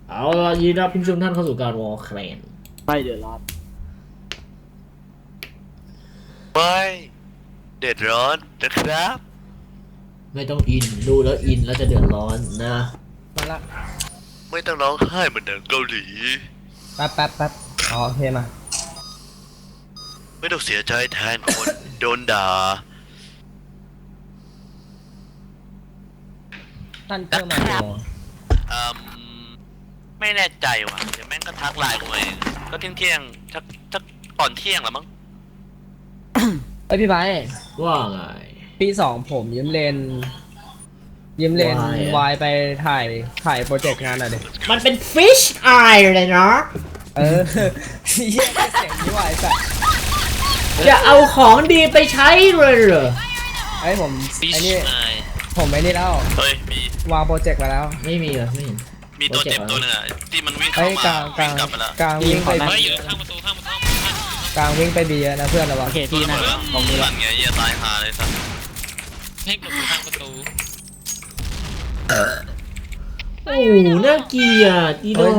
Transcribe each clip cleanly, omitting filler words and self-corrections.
เอาล่ะยินดีต้อนรับผู้ชมท่านเข้าสู่การวอลแคลนไม่เดือดร้อนไม่เดือดร้อนนะครับไม่ต้องอินดูแล้วอินแล้วจะเดือดร้อนนะมาละไม่ต้องร้องไห้เหมือนหนังเกาหลีแป๊บอ๋อโอเคมาไม่ต้องเสียใจแทนคนโดนด่าท่านเพิ่มมาโมไม่แน่ใจว่ะเดี๋ยวแม่งก็ทักไลน์กูเองก็เที่ยงทักก่อนเที่ยงแล้วมั้งเอ้ยพี่ไบว่าไงปี2ผมยืมเลนวายไปถ่ายโปรเจกต์งานหน่อยดิมันเป็น Fish Eye เลยเนาะเยี่ยมเสียงนี้วายสัตว์จะเอาของดีไปใช้เลยเหรอไอ้ผมไอ้นี่ผมไอ้นี่แล้วเฮ้ยมีวางโปรเจกต์มาแล้วไม่มีเหรอไม่เห็นมีตัวเจ็บตัวนึงอ่ะที่มันวิ่งเข้ามากลับไปแล้วกลางวิ่งไปไม่อยู่ข้างประตูกลางวิ่งไปบีนะเพื่อนระวังโอเคพี่นะมองนี่หลังไงอย่าตายหาเลยสัตว์ให้กดข้างประตูโอ้น่าเกลียดอีโด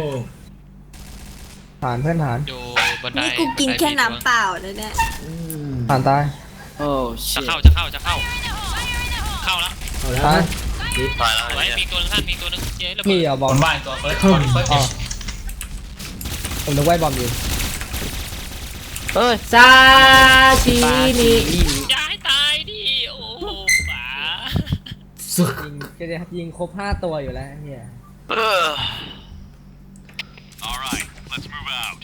ผ่านเพื่อนผ่านนี่กูกินแค่น้ำเปล่าเลยเนี่ยผ่านตายโอ้จะเข้าเข้าแล้วตายตายแล้วมีตัวนึงท่านมีตัวนึงเย้แล้วพี่เอาบอลบ้านตัวเฟิร์สผมนึกว่าบอลอยู่ซาชิมิอย่าให้ตายดิโอ้ป๋าก็จะยิงครบ5ตัวอยู่แล้วเนี่ย Alright let's move out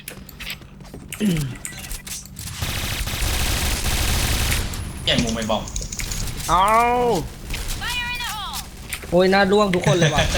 แย่งมุมไปบอกเอาโอ้ยน่าร่วงทุกคนเลยว่ะ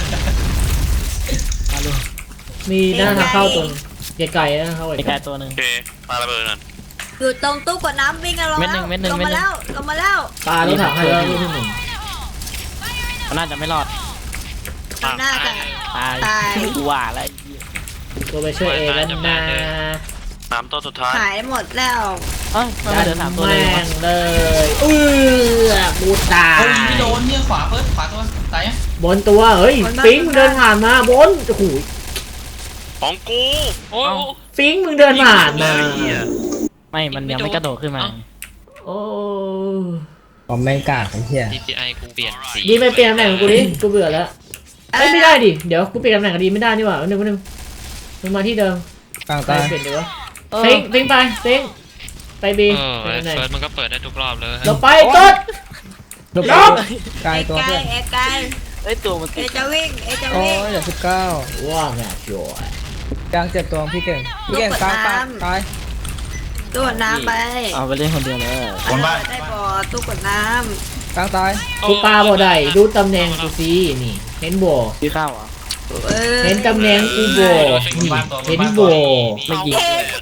มีหน้าทางเข้าตัวไกลๆนะเข้าไกลตัวนึงโอเคมาระเบิดนั่นอยู่ตรงตู้กดน้ำวิ่งกันลงมาแล้วปลารถถังให้แล้วที่1 มันน่าจะไม่รอดน่าจะตายกูว่าอะไรตัวไปช่วยเอแล้วนะน้ำตัวสุดท้ายหายหมดแล้วไม่เดินถามตัวเลยบูตาไม่โดนเนี่ยขวาเฟิร์สขวาตัวตายบนตัวเฮ้ยฟิงมึงเดินผ่านมาบนโอ้โหของกูโอ้ฟิงมึงเดินผ่านมาไม่มันยังไม่กระโดดขึ้นมาโอ้ผมแม่งกากไอ้เหี้ย DPI กูเปลี่ยนสีดีไปเปลี่ยนตำแหน่งกูดิกูเบื่อแล้วไม่ได้ดิเดี๋ยวกูเปลี่ยนตำแหน่งดีไม่ได้นี่หว่านึงมึงมาที่เดิมกลางตายเปลี่ยนดีวะฟิงไปบีเปิดมันก็เปิดได้ทุกรอบเลยเราไปต้นลบกลายตัวเพื่อนไอ้ตัวมันเอจะวิ่งโอ้ยเดี๋ยว19 ว่าไงจอยกลางเจ็บตัวพี่เก่งกลางตายตู้กดน้ำไปเอาไปเล่นคนเดียวเลยคนบ้านได้บ่อตู้กดน้ำกลางตายกูปาบ่ได้ดูตำแหน่งกูสินี่เห็นบ่ที่ข้าวอ่ะเห็นตำแหน่งกูบ่เห็นบ่ไม่ยิง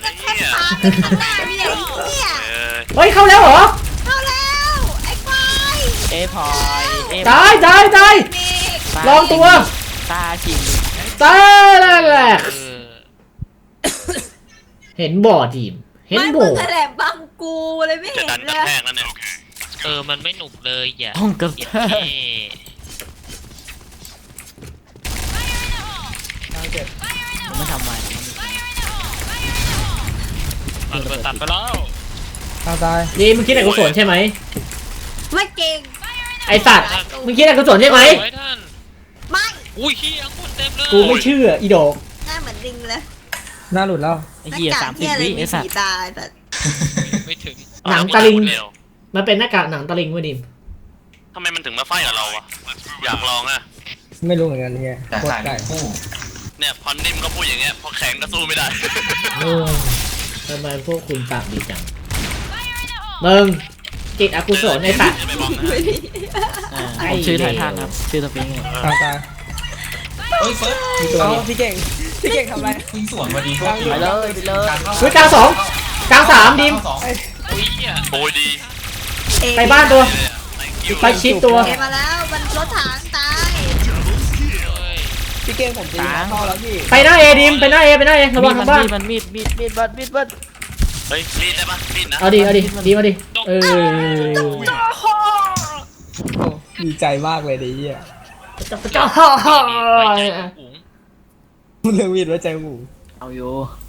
เฮ้ยเข้าแล้วเหรอเข้าแล้วไอ้ควายพอยตายลองตัวตาจริงตายแล้วแหละเห็นบ่ทีมเห็นบ่แถลงบังกูเลยไม่เห็นเลยมันไม่หนุกเลยอย่าต้องกระแทกผมไม่ทำใหม่ตัดไปแล้วตายนี่มึงคิดอะไรกุศลใช่ไหมไม่เก่งไอสัตว์มึงคิดอะไรกุศลใช่ไหมไม่อุ้ยขี้คนเต็มเลยกูไม่เชื่ออีดอกหน้าเหมือนลิงเลยหน้าหลุดแล้วไอ้เหี้ย30 วิไอ้สัตว์ตายแต่ไม่ถึงหนังตะลิงมันเป็นหน้ากากหนังตะลิงเว้ยดิมทำไมมันถึงมาไฟกับเราอะอยากลองอะไม่รู้เหมือนกันเนี่ยโคตรไก่เนี่ยพอนิ่มก็พูดอย่างเงี้ยพอแข็งก็สู้ไม่ได้ทำไมพวกคุณปากดีจังมึงจิตอกุศลในสัตว์ชื่อไททันครับชื่อสปริงตายเฮ้ยเฟิร์สพี่เก่งทำอะไรวิ่งสวนมาดีไปเลยกลาง2กลาง3ดิมโอ้ยดีไปบ้านตัวไปชิดตัวมาแล้วมันรถถังตายพี่เก่งผมตีเข้าแล้วพี่ไปหน้าเอดิมไปหน้าเอระวังทางบ้านมันมีดเฮ้ยมีดได้ปะมีดนะเอาดิมาดิดีใจมากเลยดิเหี้ยจ้าเรื่องมีดไว้ใจหมูเอาอยู่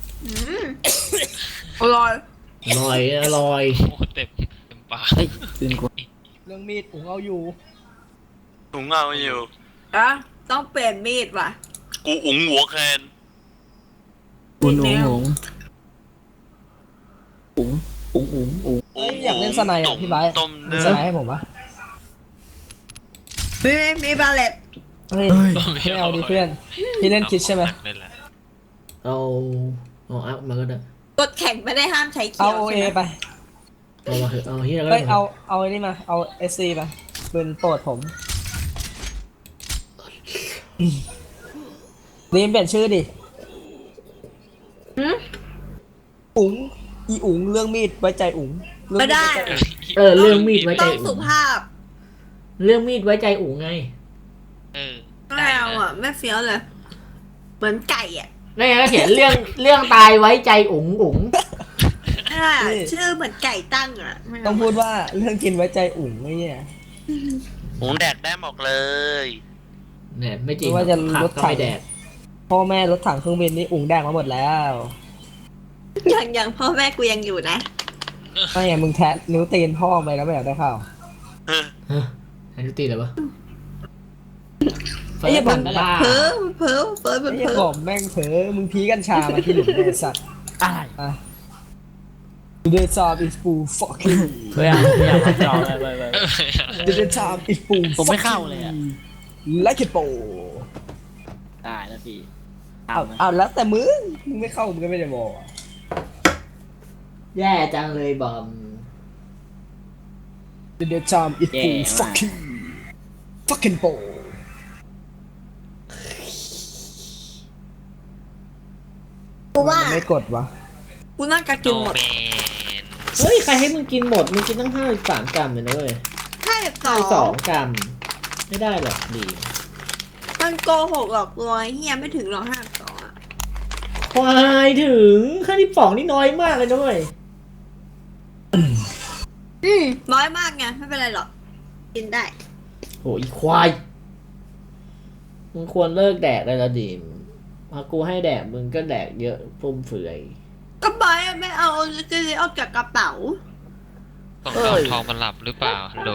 อร่อยอร่อยอร่อยโอ้เต็มปากเฮ้ยปืนกูเรื่องมีดผมเอาอยู่ถุงเงาอยู่อะต้องเปลี่ยนมีดว่ะกูอุ๋งหัวแคนอุ๋งอุ๋งอุ๋งอุ๋งอุ๋งเฮ้ยอยากเล่นสไนด์อ่ะพี่ไบร์ทต้มมีเนื้อสไนด์ให้ผมปะมีบาเลตเฮ้ยไม่เอาดิเพื่อนพี่เล่นคิดใช่ไหมเล่นแหละเอาอัพมาก็ได้กดแข่งไม่ได้ห้ามใช้เขีเอายวโอเอใช่ไหมไปเอามาเถอะเอาเฮียก็เฮ้ได้ยเอาไอ้นี่มาเอาเอสซีไปปืนโปรดผมนี่เปลี่ยนชื่อดิหืมอุ๋งอีอุ๋งเรื่องมีดไว้ใจอุ๋งเรื่องไม่ได้ว้ใจอุ๋งเรื่องมีดไว้ใจต้องอุ๋สุงภาพเรื่องมีดไว้ใจอุ๋งไงเออไม่เอาอ่ะไม่เฟี้ยวเลย เหมือนไก่อ่ะนี่ไงก็เขียนเรื่องตายไว้ใจอุ๋งอุ๋งไม่ได้อะชื่อเหมือนไก่ตั้งอ่ะไม่เาต้องพูดว่าเรื่องกินไว้ใจอุ๋งไอ้เนี่ยหุงแดกได้หมดเลยเนี่ยไม่จริงไม่ว่าจะผักรถก็ถังไม่แดกพ่อแม่รถถังเครื่องบินนี่อุ๋งแดงมาหมดแล้วยังพ่อแม่กูยังอยู่นะไม่อย่างมึงแทะนิ้วตีนพ่อไปแล้วไม่อยากได้ข่าวฮะอันนี้ตีเหรอวะไอ้เหี้ยบันบ้าเพ้อเพ้อเพ้อไอ้เพ้เหี้ยอบอกแม่งเผลอมึงพีกัญชามาที่หลุมเลยไอ้สัตว์อะไรอ่ะ The job is full fucking เพื่อนไม่อยากมาจอเลย The job is full ผมไม่เข้าเลยอะ like it po ได้แล้วพี่เอาแล้วแต่มึงไม่เข้ามึงก็ไม่ได้บอกแย่จังเลยบอม The job is full fucking fucking po กูว่ามันไม่กดวะกูน่าจะโนกินหมดแมนเฮ้ยใครให้มึงกินหมดมึงกินตั้ง53 กรัมเลยนะเว้ย 52 52 กรัมไม่ได้หรอกดีมันโกหกหรอกลอยเฮียไม่ถึงหรอก52อ่ะควายถึง52นี่น้อยมากเลยนะเว้ยน้อยมากไงไม่เป็นไรหรอก กินได้โหอีควายมึงควรเลิกแดกเลยละดิมพอกูให้แดกมึงก็แดกเยอะฟุ่มเฟือยก็บอยไม่เอาจะเอาจากกระเป๋าต้องเอาทองมันหลับหรือเปล่าฮัลโหล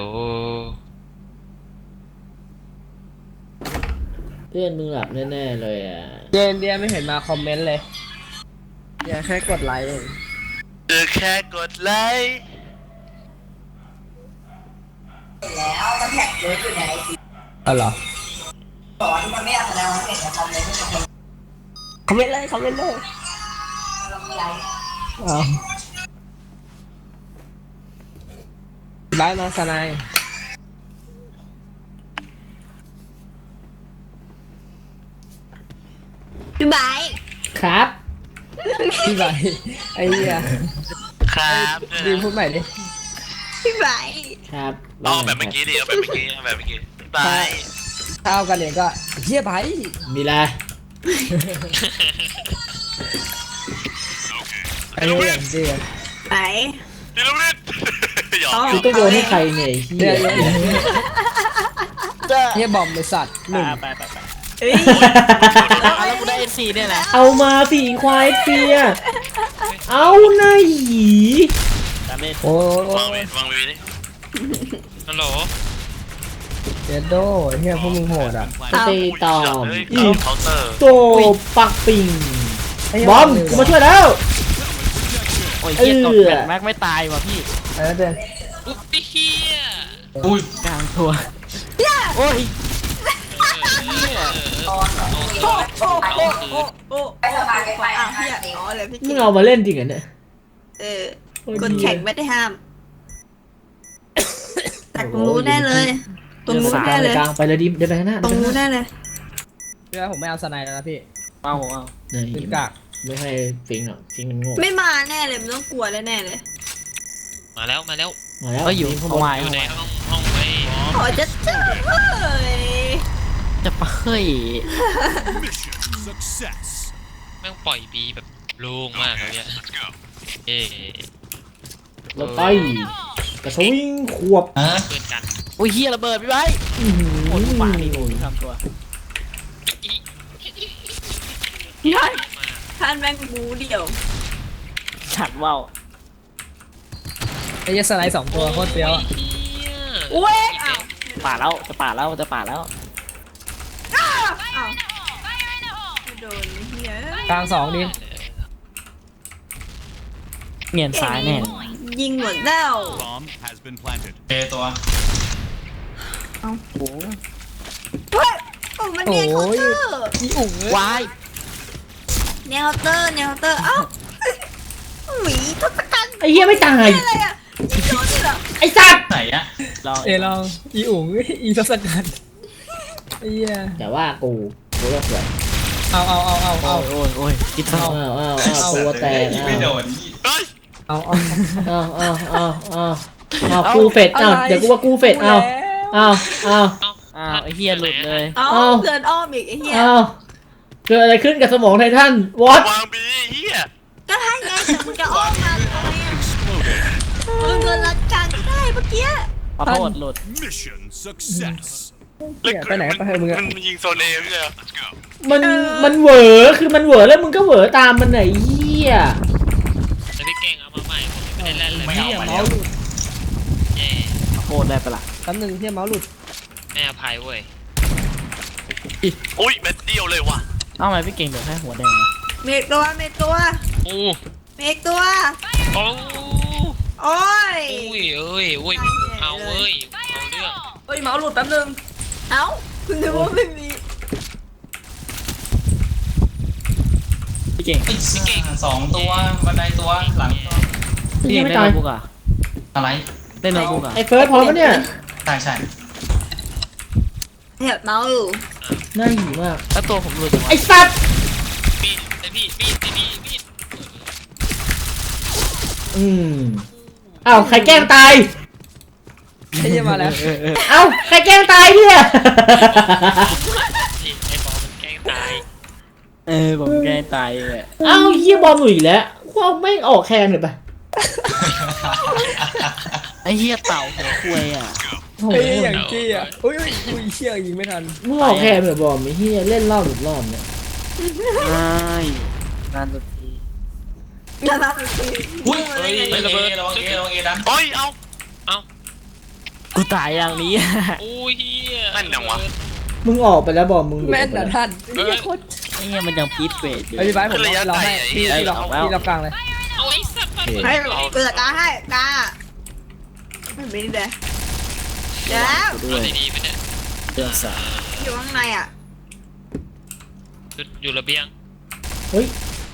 เพื่อนมึงหลับแน่ๆเลยอ่ะเจนเดียไม่เห็นมาคอมเมนต์เลยอย่าแค่กดไลค์เองเจอแค่กดไลค์อ๋อเหรอสอนมันไม่อยากแสดงว่าเห็นแต่คอมเมนต์ไม่เป็นคอมเมนต์เลยคอมเมนต์เลยเอาไลค์มาสนายพี่ไบร์ทครับพี่ใบไอ้เหี้ยครับด้วยดีนะพูดใหม่ดิพี่ไบร์ทครับเอาแบบเมื่อกี้ดิเอาแบบเมื่อกี้เอาแบบเมื่อกี้บายถ้าเอากันเนี่ยก็เหี้ยไบมีอะไรไอ้เหี้ยอย่างเดียวไหนดิลูกนิดหยอกกูต้องโยนให้ใครเนี่ยไอ้เฮีเนี่ยยเหี้ยบอมไอ้สัตว์หนึ่งไปเฮ้ยแล้วกูได้ NC เนี่ยแหละเอามาสีควายเปียเอาหน้าหยีตามเล่นโอ้ยวางวีดิฮัลโหลเจโดเหี้ยพวกมึงโหดอ่ะตีตอมเฮ้ยอีเคาน์เตอร์โตปักปิงไเหี้ยบอมกูมาช่วยแล้วโอ้ยเฮียตกแบตแม็กไม่ตายว่ะพี่ไอ้นั่นเด่นอุ๊ยเฮียกลางทัวโอ้ยโอ้ไปสบายไปอ่ะพี่อ่ะอ๋อเลยพี่มึกิงนเอามาเล่นจริงเหรอเนี่ยกดแข่งไม่ได้ห้าม แต่ตรงนู้นแน่เลย ตรงนู้นแน่เลยกลางไปเลยดิเดินไปข้างหน้าตรงนู้นแน่เลยเพื่อผมไม่เอาสไนด์แล้วนะพี่เอาเนี่ยขึ้นกากไม่ให้ฟิงหรอกฟิงมันโง่ไม่มาแน่เลยมันต้องกลัวแน่เลยมาแล้วมาแล้วมาแล้วก็อยู่ข้างบเอานไว้อยู่ในเอาไว้ห้องไอ้ขอจะเจอเฮ้ยจะไปเฮ้ยแม่งปล่อยบีแบบโล่งมากเลยเนี่ยเอ๊เราไปกระสวิงขวบเพื่อนกันโอ้ยเฮียระเบิดพี่ไว้อื้อหือโอ้ยป่านี่โอ้ยทำตัวท่านแม่งบูเดี่ยวฉัดว่าวไอ้เหี้ยสไลด์2ตัวโคตรเฟี้ยวอะโอ้เว้ยยอ้าวป่าแล้วจะป่าแล้วจะป่าแล้วอ้าวไม่โดนเฮียกลาง2ดิเงียนซ้ายแน่ยิงหมดแล้ว Bomb has been planted. เอตัวโอ้โหเฮ้ยโอ้มันเนียนเคาน์เตอร์อีอุ๋งวายเนียนเคาน์เตอร์เนียนเคาน์เตอร์เอ้าหวีทศกัณฐ์ไอ้เหี้ยไม่ตายอะไรอ่ะยิงโดนด้วยเหรอไอ้สัตว์ไหนอะลองลองอีอุ๋งอีทศกัณฐ์ไอ้เหี้ยแต่ว่ากูเลิกเลยเอาโอ้ยคิดเท่าตัวแตกไม่โดนเฮ้ยเอากูเฟดเดี๋ยวกูว่ากูเฟดเอาไอ้เฮียหลุดเลยเอาเกินอ้อมอีกไอ้เหี้ยเกิดอะไรขึ้นกับสมองไททันวอตวางบีเฮียก็ให้ไงแต่มึงจะอ้อมมาทำไมอ่ะมึงโดนรัดการก็ได้เมื่อกี้ขอโทษหลุด Mission success. เหี้ยไปไหนไปเถอะมึงอะมันยิงโซนเอไม่ใช่เหรอมันเหวอคือมันเหวอแล้วมึงก็เหวอตามมันไหนเหี้ยแล้วพี่เก่งเอามาใหม่ผมไม่ได้เล่นเลยไม่เหี้ยเอามาเมาแล้วส์หลุดแย่ขอโทษได้ปะล่ะแป๊บนึงเหี้ยเมาส์หลุดไม่อภัยเว้ยอุ้ยเม็ดเดียวเลยว่ะเอ้าทำไมพี่เก่งเดือดแค่หัวแดงเมกตัวเมกตัวโอ้เมกตัวโอ้โอ้ยเอ้ยเอาเว้ยเอาเรื่องเฮ้ยเมาส์หลุดแป๊บนึงเอ้าคุณนึกว่าไม่มีพี่เก่งไอ้สองตัวบันไดตัวหลังตัวพี่เก่งไม่เล่นตายโน้ตบุ๊กอ่ะอะไรเล่นโน้ตบุ๊กอ่ะไอ้เฟิร์สพร้อมปะเนี่ยใช่ใช่แอบเมาส์อยู่น่าหิวมากแล้วตัวผมหลุดจังวะไอ้สัตว์มีดไอพี่มีดอ้าวใครแกล้งตายไอ้เหี้ยมาแล้วเอ้าใครแกล้งตายเนี่ยไอ้บอลมันแกล้งตายผมแกล้งตายเลยเอ้าเหี้ยบอลหนุ่ยแล้วว่าไม่งออกแคนเลยปะไอ้เฮียเต่าหัวคุยอ่ะโอ้โหไอ้เหี้ยอย่างจี้อ่ะอุ้ยเชี่ยยิงไม่ทันมึงออกแคนเหมือนบอลไม่เหี้ยเล่นรอบหรือรอบเนี่ยไม่นานสุดทีน่ารักจริงอุ้ยเฮ้ยระเบิดระวังเอระวังเอดันเฮ้ยเอากูตายอย่างนี้โอ้ยเฮียแม่นจังวะมึงออกไปแล้วบอลมึงหลุดแม่นไปนะแล้วท่านไอ้เหี้ยโคตรไอ้เฮียมันยังพีทเฟสอยู่ไอ้พี่ไบร์ทผมเราให้พี่เรากลางเลยเอาไอ้สัตว์มาให้เปิดตาให้ตาไม่เป็นไรเดี๋ยวแล้วกูด้เอาวยดีๆไปเนี่ยเดือดสาอยู่ข้างในอ่ะอยู่ระเบียงเฮ้ย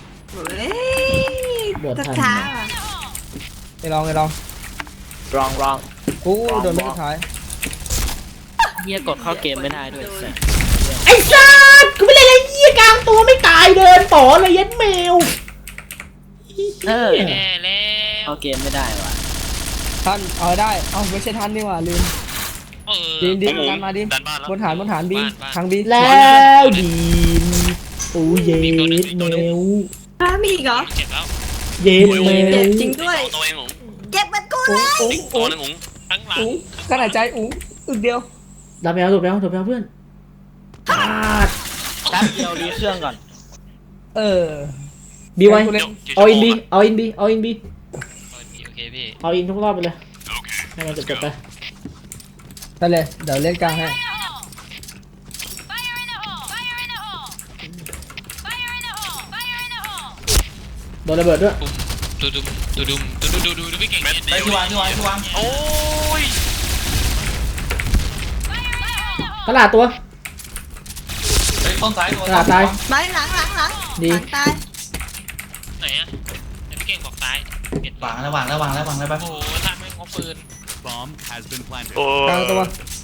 ช้าอ่ะไอ้ลองรองกูโดนไม่สุดท้ายเฮียกดเข้าเกมไม่ได้ด้วยแสบไอ้สัตว์กูไม่เล่นอะไรเหี้ยกลางตัวไม่ตายเดินต่อเลยยัดแมวเออแย่แล้วเข้าเกมไม่ได้ว่ะท่านเอาได้เอ้าไม่ใช่ท่านนี่หว่าลืม ดินกันมาดิดันบ้านแล้วบนฐานบีทางบีแล้วดีนโอ้เย็ดแมวมีอีกเหรอเจ็บแล้วเย็ดแมเจ็บวจริงด้วยเอาตัวเองหงเจ็บเป็นกูเลยอีกตัวนึงหงทั้งหลังขนาดใจอึกเดียวดับแมวดับแมวดับแมวเพื่อนขาดแป๊บเดียวรีเครื่องก่อนเออบีไว้เล่นเอาอินบีเอาอินบีเอาอินบีโอเคพี่เอาอินทุกรอบไปเลยให้มันจบไปไปเลยเดี๋ยวเล่นกลางให้โดนระเบิดด้วยดูพี่เก่งเม็ดเดีไอ้ยวที่วางโอ้ยตลาดตัวเฮ้ยต้นซ้ายตัวตายไม่หลังหลังตายไหนอะพี่เก่งบอกซ้ายเปลี่ยนวางแล้วไปโอ้โหท่านไม่งอปืน Bomb has been planted. โอ้กลางตัว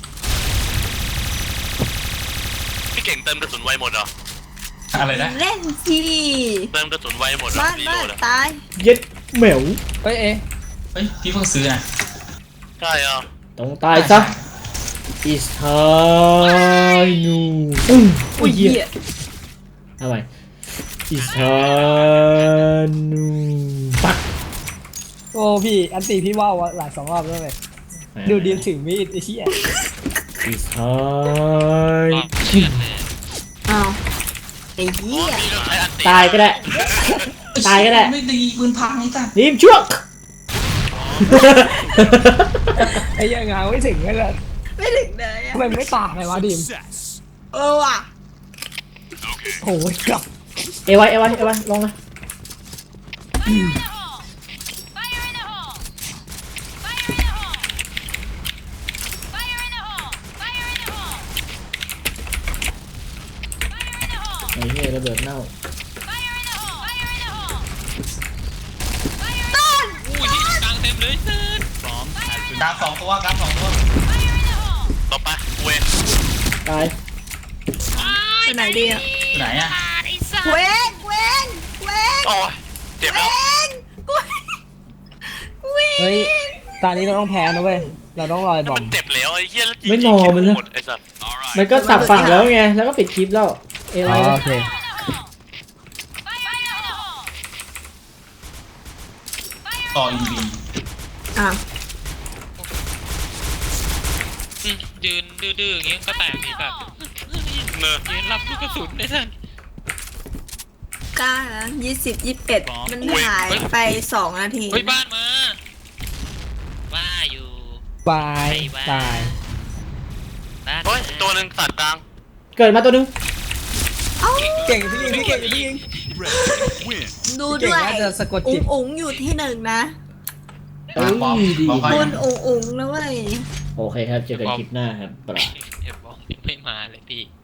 พี่เก่งเติมกระสุนไวหมดเหรออะไรนะเล่นสิเติมกระสุนไวหมดเหรอบ้านรีโหลดอะตายเย็ดแมวเฮ้ยเฮ้ยพี่เพิ่งซื้อนะใช่อ่ะต้องตายซะ It's time อุ้ยเหี้ยทำไม It's time ปักโอ้พี่อันตีพี่ว่าวหลาย2 รอบแล้วเลยดูดีมถือมีดไอ้เหี้ย It's time รอบเชือดเลยอ้าวไอ้เหี้ยพี่ต้องใช้อันตีตายก็ได้ ตายก็ได้ไม่ดีปืนพังไอ้สัสดีมช่วงไอ้ยังงาไม่ถึงเลยล่ะไม่ถึงเลยอะทำไมไม่ตายเลยวะดิม Success. ว่ะโอ้ยกลับเอไว้ลงนะ ไอ้เหี้ยระเบิดเน่าอุ้ยที่กลางเต็มเลยเซิร์น Bomb has been กลางสองตัวกลางสองตัวต่อไปเวนตายไปไหนดีอะไหนอ่ะเวนเวนโอ้ยเจ็บแล้วเวนเฮ้ยตอนนี้เราต้องแพ้นะเว้ยเราต้องรอยบอมัมนเจ็บแล้วไอ้เหี้ยแล้วยิงไม่นอนมันเลยหมดไอ้สัส all right. มันก็สับฝั่งแล้วไง แล้วก็ปิดคลิปแล้ว เออ๋ไว้อโอเคต่ออีบีอ่ะยืนดื้อๆอย่างงี้ก็แตกดีแบบเนอะยืนรับลูกกระสุนได้ทันกล้านะ20 21มันหายไป2 นาทีเฮ้ยบ้านมาว่าอยู่บายตายบ้านเฮ้ยตัวหนึ่งสัตว์กลางเกิดมาตัวหนึงเอ้าเก่งพี่ยิงพี่เก่งพี่ยิง Red win. ดูเก่งด้วยน่าจะสะกดอุ๋จิงตอุ๋งอยู่ที่1นะเอ้ยบอมดีบอมคุณอุ๋งอุ๋งนะเว้ยโอเคครับ เจอกันคลิปหน้าครับเห็นบอกยังไม่มาเลยพี่